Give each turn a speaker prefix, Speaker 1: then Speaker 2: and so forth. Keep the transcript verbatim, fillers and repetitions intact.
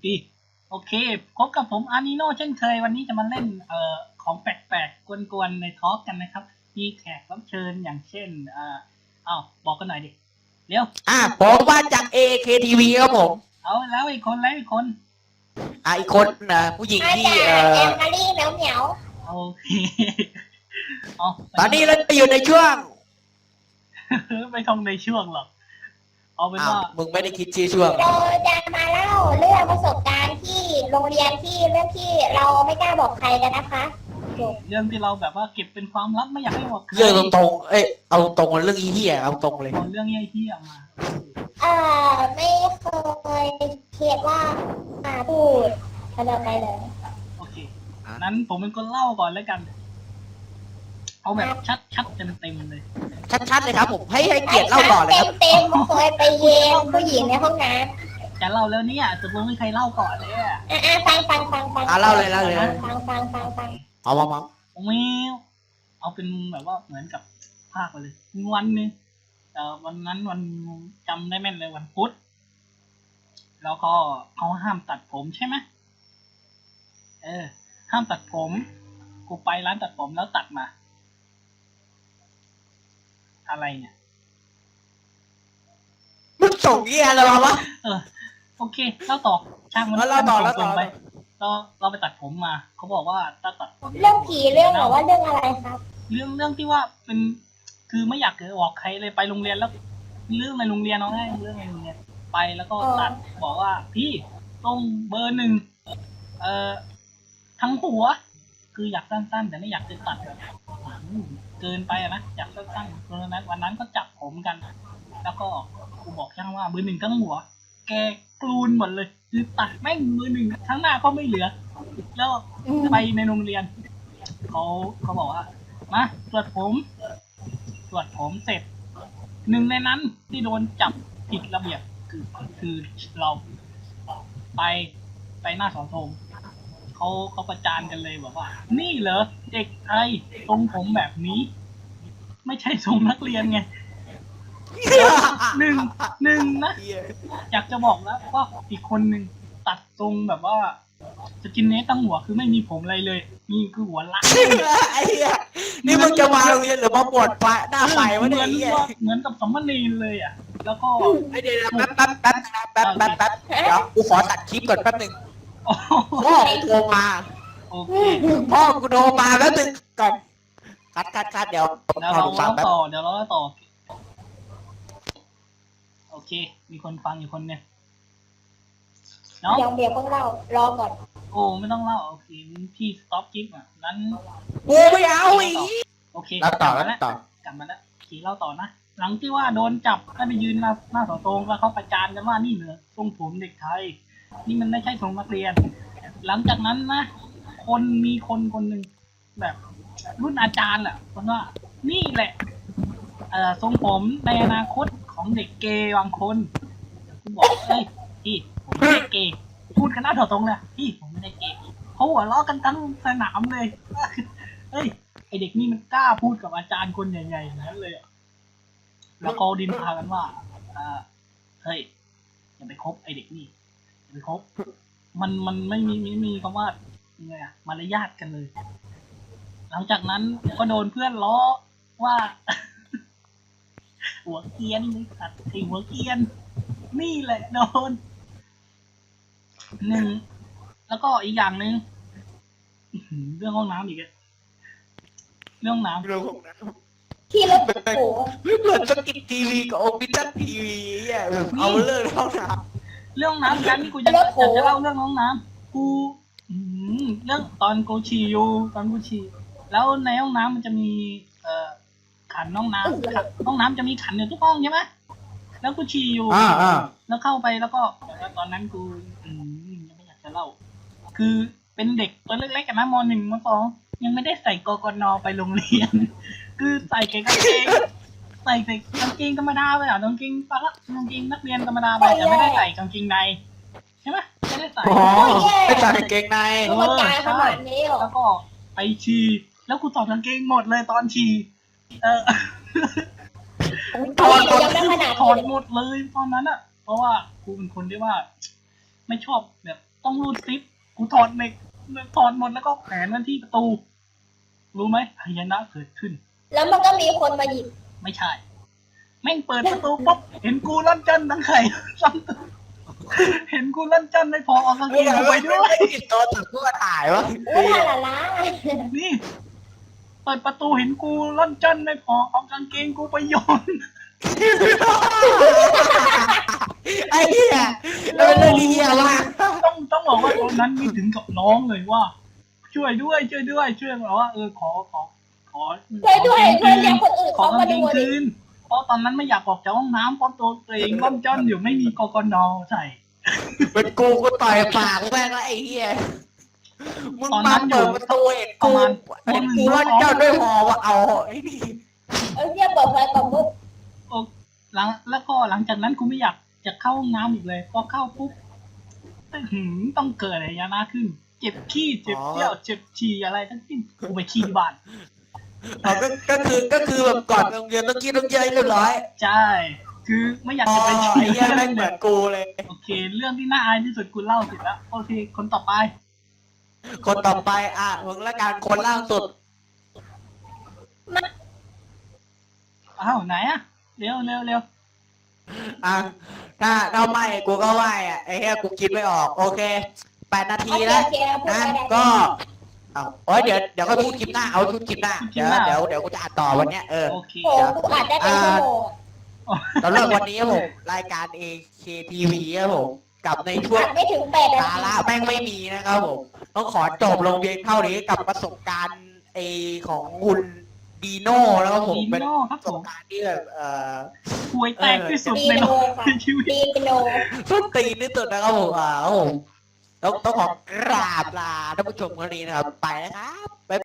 Speaker 1: ดีโอเคพบกับผมอานิโนเช่นเคยวันนี้จะมาเล่นเอ่อของแปลกๆกวนๆในทอล์กกันนะครับมีแขกรับเชิญอย่างเช่นเอ่ออ้าวบอกกันหน่อยดิเร็ว
Speaker 2: อ่ะผมมาจาก เอ เค ที วี ครับผม
Speaker 1: เอาแล้วอีกคนแล้วอีกคน
Speaker 2: อ่ะอีกคนนะผู้หญิงที่เอ่อ
Speaker 3: แอมมารี่เหมียวเหมียว
Speaker 1: โอเคเอา
Speaker 2: ตอนนี้เราอยู่ในช่วง
Speaker 1: ไม่ต้องในช่วงหรอกเอาเป็น
Speaker 2: อ้าว
Speaker 1: ว่า
Speaker 2: มึงไม่ได้คิดชื่อช่วง
Speaker 3: เราจะมาเล่าเรื่องประสบการณ์ที่โรงเรียนที่เรื่องที่เราไม่กล้าบอกใครกันนะคะจบ
Speaker 1: เรื่องที่เราแบบว่าเก็บเป็นความลับไม่อยากให้บอกใคร
Speaker 2: เรื่องตรงๆเอ้ยเอาตรงเรื่องอีเหี้ยเอาตรงเลย
Speaker 1: เอาเรื่องเหี้ยๆมา
Speaker 3: เอ่อไม่เคยคิดว่ามาพูดเขาจะไปเลย
Speaker 1: โอเคนั้นผมเป็นคนเล่าก่อนแล้วกันเอาแบบชัดๆเต็มๆเลย
Speaker 2: ชัดๆเลยครับผมให้ให้เกียรติเล่าก่อนเลยครับ
Speaker 3: เต็มๆเคยไปเย็นผู้หญิงในห้องน้
Speaker 1: จะเล่าแล้วเนี่ยตกลงไม่ใครเล่าก่อนเลยอะ
Speaker 3: ำอ่ะอ่ะฟังฟังฟังฟัง
Speaker 2: อ่ะเล่าเลยเล่าเลย
Speaker 3: ฟังฟังฟังฟัง
Speaker 2: เอามามา
Speaker 1: ผมมีเอาเป็นแบบว่าเหมือนกับภาคไปเลยวันหนึงเอ่อวันนั้นวันจำได้แม่นเลยวันพุธแล้วก็เขาห้ามตัดผมใช่ไหมเออ ห้ามตัดผมกูไปร้านตัดผมแล้วตัดมาอะไรเนี่ย
Speaker 2: มึงส่งเหี้ยอะไรมาวะ
Speaker 1: เออโอเคเล่าต่อช่างมัน
Speaker 2: แล้วเล่าต่อแล้วต่อ
Speaker 1: ไปเราเราไปตัดผมมาเขาบอกว่าถ้าตัดผม
Speaker 3: เรื่องผีเรื่องหรือว่าเรื่องอะไรครับ
Speaker 1: เรื่องเรื่องที่ว่าเป็นคือไม่อยากเกิดออกใครเลยไปโรงเรียนแล้วเรื่องในโรงเรียนเอาง่ายเรื่องในโรงเรียนไปแล้วก็ตัดบอกว่าพี่ต้องเบอร์หนึ่งเอ่อทั้งหัว คืออยากสั้นๆแต่ไม่อยากจะตัดแบบเกินไปอะนะอยากสั้นๆเพราะฉะนั้นวันนั้นก็จับผมกัน แล้วก็ครูบอกช่างว่าเบอร์หนึ่งทั้งหัว แกกลูนหมดเลยคือตัดแม่งเบอร์หนึ่งทั้งหน้าก็ไม่เหลือ แล้วไปในโรงเรียนเขาเขาบอกว่ามาตรวจผมตรวจผมเสร็จหนึ่งในนั้นที่โดนจับผิดระเบียบคือคือเราไปไปหน้าเสาธงเขาเขาประจานกันเลยบอกว่า นี่เหรอเด็กไทยทรงผมแบบนี้ ไม่ใช่ทรงนักเรียนไงหนึ่งหนึ่งนะอยากจะบอกแล้วว่าอีกคนหนึ่งตัดทรงแบบว่าสกินเนสตั้งหัวคือไม่มีผมอะไรเลยนี่คือหัวล้าน
Speaker 2: ไอ้เหี้ยนี่มึงจะมาโรงเรียนหรือมาปวดไฟหน้าไฟวะเนี่ยไอ้เหี้ย
Speaker 1: เหมือนกับสมณีเลยอ่ะ แล้วก็
Speaker 2: ไอ้เดี๋ยวแป๊บแป๊บแป๊บแป๊บแป๊บแป๊บเดี๋ยวกูขอตัดคลิปก่อนแป๊บหนึง
Speaker 1: โอ้
Speaker 2: พ่อกูโทรมา
Speaker 1: โอเค
Speaker 2: พ่อกูโทรมาแล้วตึงก่อนคัดคัดคัดเดี๋ยว
Speaker 1: เดี๋ยว
Speaker 2: พอ
Speaker 1: เรา
Speaker 2: ดูฟัง
Speaker 1: เล่า
Speaker 2: แป๊บ
Speaker 1: ต่อเดี๋ยวเราเล่าต่อโอเค มีคนฟังอยู่คนเนี่ยเนาะ
Speaker 3: เดี๋ยวเดี๋ยวเพิ่งเล่ารอก่อน
Speaker 1: โอ้ไม่ต้องเล่าโอเคพี่สต็อปคลิปอ่ะนั้น
Speaker 2: กูไม่เอาอีก
Speaker 1: โอเค
Speaker 2: แล้วต่อก
Speaker 1: ลับ
Speaker 2: แล้
Speaker 1: มาว
Speaker 2: ต่อ
Speaker 1: กลับมาแล้วโอเคเล่าต่อนะหลังที่ว่าโดนจับให้ไปยืนหน้าหน้าเสาธงแล้วเขาประจานกันว่านี่เหรอทรงผมเด็กไทย นี่มันไม่ใช่ทรงนักเรียน หลังจากนั้นนะ คนมีคนคนหนึ่งแบบรุ่นอาจารย์แหละคนว่า นี่แหละ เอ่อทรงผมในอนาคตของเด็กเกย์บางคนกูบอกเอ้ยพี่ผมไม่ได้เกย์พูดกันหน้าเถาตรงเลยพี่ผมไม่ได้เกย์เขาหัวเราะกันทั้งสนามเลยเฮ้ยไอเด็กนี่มันกล้าพูดกับอาจารย์คนใหญ่ๆอย่างนั้นเลยอะแล้วก็ดินพากันว่าอ่าเฮ้ยอย่าไปคบไอเด็กนี่อย่าไปคบมันมันไม่มีไม่มีคำว่ายังไงอะมารยาทกันเลย หลังจากนั้นก็โดนเพื่อนล้อว่า หัวเกียนเลยสัตว์ไอหัวเกียน นี่แหละโดนหนึ่งแล้วก็อีกอย่างหนึ่งอื้อหือเรื่องห้องน้ำอีกอะเรื่องน้ำ
Speaker 2: เรื่องของน้
Speaker 3: ที่รถโผ
Speaker 2: ำเหมือนสกิททีวีกับโอปิชั่นทีวีอ่ะแบบเอาเรื่องเข้าน้
Speaker 1: เรื่องน้ำกันที่กูจะจะจะเล่าเรื่องห้องน้ำกูอื้อหือเรื่องตอนกูฉี่อยู่ตอนกูฉี่แล้วในห้องน้ำมันจะมีเอ่อขันห้องน้ำขันห้องน้ำจะมีขันอยู่ทุกห้องใช่ไหมแล้วกูฉี่อยู่
Speaker 2: ำอ่าอ่า
Speaker 1: แล้วเข้าไปแล้วก็แต่ว่าตอนนั้นกูอืมยังไม่อยากจะเล่า คือเป็นเด็กตัวเล็กๆกันนะมหนึ่งมสองยังไม่ได้ใส่กกนไปโรงเรียน คือใส่แค่กางเกงใส่ใส่กางเกงธรรมดาไปอ่ะกางเกงปะละกางเกงนักเรียนธรรมดาไปแต่ไม่ได้ใส่กางเกงในใช่ไหมไม่ได้ใส่
Speaker 2: อ๋อไม่ใส่กางเกงใน
Speaker 3: ธรรมดาขนาดนี้เหรอ
Speaker 1: แล้วก็ไปฉี่แล้วกูถอดกางเกงหมดเลยตอนฉี่เออ
Speaker 3: ถอดหมดยังไม่ขนาด
Speaker 1: ถอด
Speaker 3: นี้
Speaker 1: หมดเลยตอนนั้นอ่ะ เพราะว่ากูเป็นคนที่ว่า ไม่ชอบแบบต้องรูดซิปกูถอดเหล็กถอดหมดแล้วก็แขวนมันที่ประตู รู้ไหมพญานาคเกิดขึ้น
Speaker 3: แล้วมันก็มีคนมาหยิบ
Speaker 1: ไม่ใช่ แม่งเปิดประตูปุ๊บเห็นกูล่อนจันทั้งไข่ซ้ำตัวเห็นกูล่อนจันไม่พอเอากางเก
Speaker 2: ไม่
Speaker 1: ง
Speaker 2: ได้
Speaker 1: กูไปด้วย
Speaker 2: ติดตัวถึงเพื่อถ่ายวะ
Speaker 3: อุ้ยฮาลาลา
Speaker 1: นี่ เปิดประตูเห็นกูล่อนจันไม่พอเอากางเกงกูไปโยน
Speaker 2: ไอ้เหี้ยเราเป็นเรื่องดีเหี้ยมาก
Speaker 1: ต้องต้องบอกว่าตอนนั้นนี่ถึงกับน้องเลยว่า ช่วยด้วยช่วยด้วยช่วยบอกว่าเออขอขอขอ
Speaker 3: ช่วยด้วย
Speaker 1: ข
Speaker 3: ช่วย
Speaker 1: ก
Speaker 3: เรียกคนอื่น
Speaker 1: ขอ
Speaker 3: เขา
Speaker 1: กาง
Speaker 3: มา
Speaker 1: เก
Speaker 3: ดู
Speaker 1: ง
Speaker 3: ดิ
Speaker 1: คืนเพราะตอนนั้นไม่อยากออกจากห้องน้ำเพราะตัวตัวเองล่อนจ้อนอยู่ไม่มีกกนใส่
Speaker 2: เป็นกูกูต่อยปากแม่งแล้วไอ้เหี้ยมึง
Speaker 1: ตอน
Speaker 2: มา
Speaker 1: นั้นอยู่
Speaker 2: เปิดประตูเห็น
Speaker 1: ประ
Speaker 2: กู
Speaker 1: มาณ
Speaker 2: เห็นกูว่าเจ้าด้วยหอว่าเอาไอ้นี่
Speaker 3: เออเรียกเปิดไฟก่อนปุ๊บ
Speaker 1: โอ้หลังแล้วก็หลังจากนั้นกูไม่อยากจะเข้าห้องน้ำอีกเลยพอเข้าปุ๊บอื้อหือต้องเกิดอะไรยานาขึ้น เจ็บขี้เจ็บเยี่ยวเจ็บฉี่อะไรทั้งสิ้นกูไปขี้ที่บ้าน
Speaker 2: เอาก็ก็คือก็คือแบบก่อนโรงเรียนต้องกินต้องเยอะเรียบร้อย
Speaker 1: ใช่คือไม่อยาก
Speaker 2: อ๋อ
Speaker 1: จะไป
Speaker 2: ไอ้
Speaker 1: ขี้
Speaker 2: เหี้ยแม่งเหมือนกูเลย
Speaker 1: โอเค เรื่องที่น่าอายที่สุดกูเล่าเสร็จแล้วโอเคคนต่อไป
Speaker 2: คนต่อไปอ่ะมึงละกันคนล่างสุด
Speaker 1: อ้าวไหนอะเร็วเร็วเร็ว
Speaker 2: อ่ะถ้าถ้าไม่กูก็ไหวอ่ะไอ้เหี้ยกูคิดไม่ออกโอเคแปดนาที
Speaker 3: โอเค
Speaker 2: แล้ว
Speaker 3: โอเคแล้วพูด
Speaker 2: นะ
Speaker 3: ไปได้
Speaker 2: ก็เอาโอ้ยเดี๋ยวเดี๋ยวก็พูดคลิปหน้าเอาชุดคลิปหน้าเดี๋ยวเดี๋ยวเดี๋ยวกูจะอ่านต่อวันเนี้ยเออ
Speaker 1: โอเค
Speaker 3: โอ้กูอาจได้เป็นชั่วโมง
Speaker 2: สำหรับวันนี้ครับผมรายการ เอ เค ที วี ครับผมกับในช่วง
Speaker 3: อาจไม่ถึงแปดนา
Speaker 2: สา
Speaker 3: ที
Speaker 2: ระแม่งไม่มีนะครับผมต้องขอจบลงเพียงเท่านี้กับประสบการณ์เอของคุณดีโน่แล้วครับผม
Speaker 1: ดี
Speaker 2: เป็น
Speaker 1: โน่ครับ
Speaker 2: ประส
Speaker 1: ผ
Speaker 2: บ
Speaker 1: ม
Speaker 2: การณ์ที่แบบเอ่อ
Speaker 1: ห่วยแตกที่สุด
Speaker 3: ดี
Speaker 1: ในโล
Speaker 3: โน
Speaker 1: ก
Speaker 3: ค่ะ
Speaker 1: ในชีวิต
Speaker 3: ดีโน
Speaker 2: ส้นตีนที่สุดนะครับผมอ่าครับผมต้องต้องขอกราบลาท่านผู้ชมคนนี้นะครับ ไปนะครับ